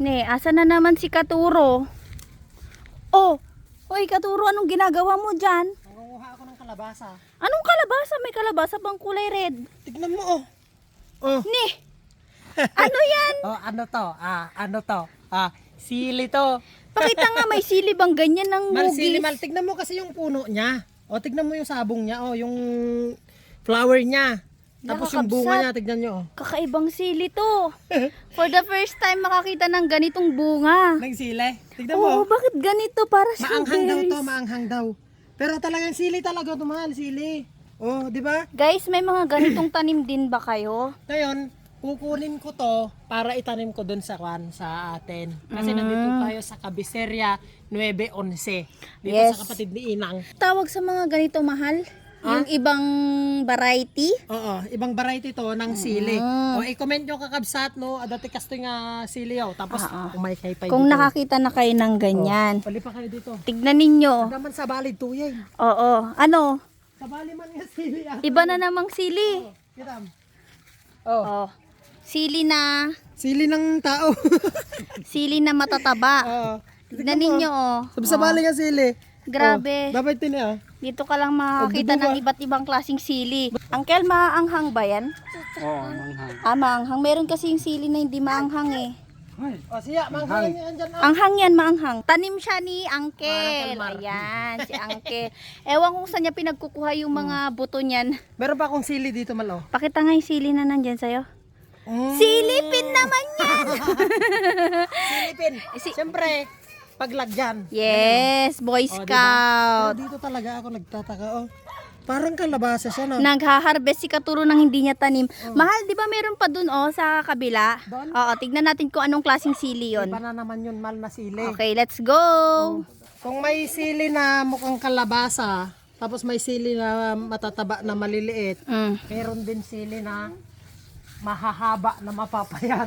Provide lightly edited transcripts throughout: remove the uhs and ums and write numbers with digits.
Ne, asa na naman si Katuro? Oh, hoy Katuro, anong ginagawa mo dyan? Nangunguha ako ng kalabasa. Anong kalabasa? May kalabasa bang kulay red? Tignan mo oh. Oh. Ne, ano yan? Oh, ano to? Ano to? Sili to. Pakita nga, may sili bang ganyan ng Sili hugis? mal. Tignan mo kasi yung puno niya. O, tignan mo yung sabong niya. O, yung flower niya. Tapos yung bunga niya, tignan nyo. Oh. Kakaibang sili to. For the first time makakita ng ganitong bunga. Ng sili. Tignan Oo, mo. bakit ganito? Para siyang Maanghang daw to, berries. maanghang daw. Pero talagang sili talaga to, mahal. Sili. Oh, di ba? Guys, may mga ganitong tanim din ba kayo? Ngayon, kukunin ko to para itanim ko dun sa atin. Kasi nandito tayo sa Cabiceria 911. Dito Yes. sa kapatid ni Inang. Tawag sa mga ganito mahal? Yung ibang variety? Oo, ibang variety to ng sili. O, i-comment nyo kakabsat, no? Dati kasto nga sili, oh. Tapos, umaykay pa Kung dito. nakakita na kayo ng ganyan. Pali pa kayo dito. Tignan ninyo. Naman sa balid tuyay. Oo. Ano? Sa bali man nga sili. Iba na namang sili. Kitam. Oh. Sili na. Sili ng tao. Sili na matataba. Oo. Tignan ninyo, oh. Sa bali nga sili. Grabe. Dapat din ah. Dito ka lang makakita ng iba't ibang klaseng sili. Uncle, maanghang ba yan? Oo, manghang. Maanghang. Meron kasi yung sili na hindi maanghang eh. O siya, manghang yan dyan. Anghang yan, maanghang. Tanim siya ni Uncle. Ayan, si Uncle. Ewan kung saan niya pinagkukuha yung mga buto niyan. Meron pa akong sili dito, malo. Pakita nga yung sili na nandyan sa'yo. Silipin naman yan! Silipin. Siyempre, paglagyan. Yes, Boy Pero Scout. dito talaga ako nagtataka. Oh. Parang kalabasa siya, no? Nagha-harvest si Katuro ng hindi niya tanim. Mahal, di ba meron pa dun sa kabila? Doon? Oo, tignan natin kung anong klaseng sili yon. Iba na naman yun, mal na sili. Okay, let's go! Kung may sili na mukhang kalabasa, tapos may sili na matataba na maliliit, meron din sili na mahahaba na mapapayat.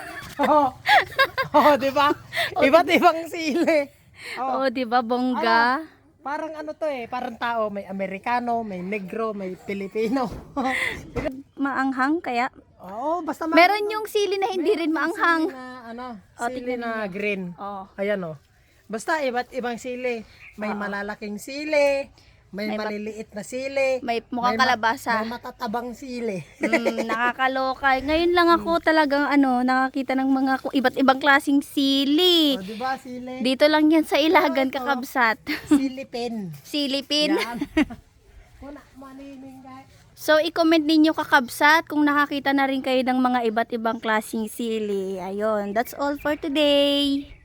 Oh, di ba? Iba't ibang sili. Oo, di ba, bongga? Parang ano to eh, parang tao, may Amerikano, may Negro, may Pilipino. Maanghang kaya? Oo, basta Meron yung sili na hindi rin maanghang. sili na sili na green. Oh. Ayan oh. Basta iba't ibang sili. May malalaking sili, may maliliit na sili, May mukhang kalabasa. may matatabang sili. Nakakaloka. Ngayon lang ako talagang nakakita ng mga iba't ibang klaseng sili. O, di ba sili? Dito lang yan sa Ilagan, Kakabsat. Silipin. Silipin. Yan. Una, manining guys. So, i-comment ninyo Kakabsat kung nakakita na rin kayo ng mga iba't ibang klaseng sili. Ayun, that's all for today.